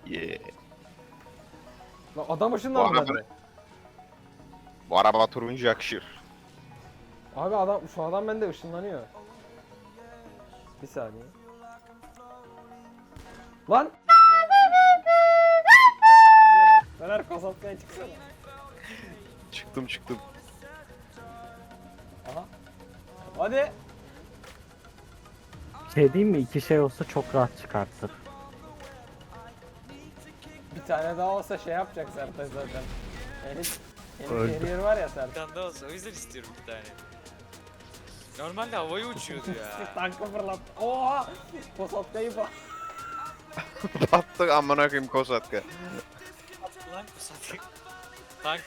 Yeah. Lan adam ışınlandı Bu araba- bende. Bu araba turuncu yakışır. Abi şu adam bende ışınlanıyor. Bir saniye. Lan! Fener kasapkaya çıksana. Çıktım. Aha. Hadi. Şey diyeyim mi? İki şey olsa çok rahat çıkartır. Bir tane daha olsa şey yapacak Sertaç zaten. Elif Öldü. carrier var ya Bir Sertaç. tane daha olsa o yüzden istiyorum bir tane. Normalde havaya uçuyordu ya. Tankı fırlat. Oha! Kasapkayı bak. Battık amına koyayım Kosatka. Lan bu satayım. Tank.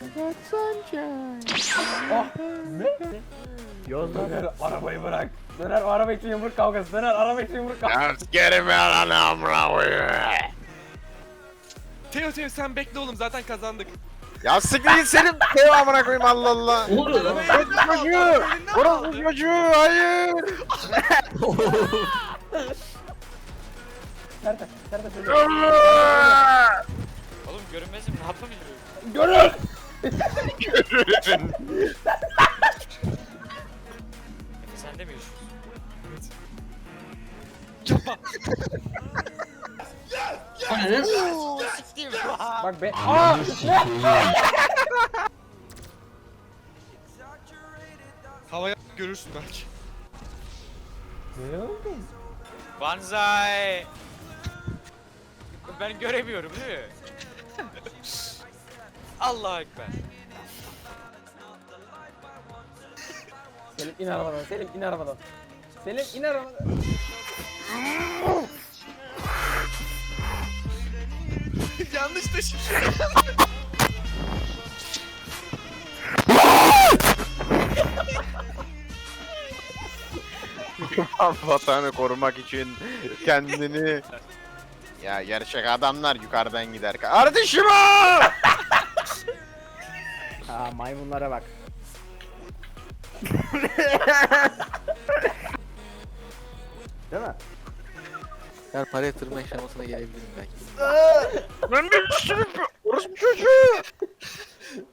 Oh! Ne? Yozgat Döner arabayı bırak. Döner araba için yumruk kavgası. Döner araba için yumruk kavgası. Ya sikerim ya lan amına koyayım. Teo sen bekle oğlum zaten kazandık. Ya siktir git senin dev amına koyayım Allah Allah. Ne oluyor lan? Çocuğu! Orası çocuğu! Hayır! Sertaç öyle. Oğlum görünmezim ne yapabilirim? Görür! Sen de mi yaşıyorsun? Ananı Siktir. Bak be. Aa! Havaya görürsün belki. Ne oldu? Banzai. Ben göremiyorum değil mi? Allahu Ekber. Selim in arabadan. Selim in arabadan. Selim in arabadan. Yanlış taşı. Vatanı korumak için kendini... Ya gerçek adamlar yukarıdan gider. Kardeşim o! Ha, maymunlara bak. Değil mi? Ben para yatırma aşamasına gelebilirim belki. Ben bir sürü orospu çocuğu!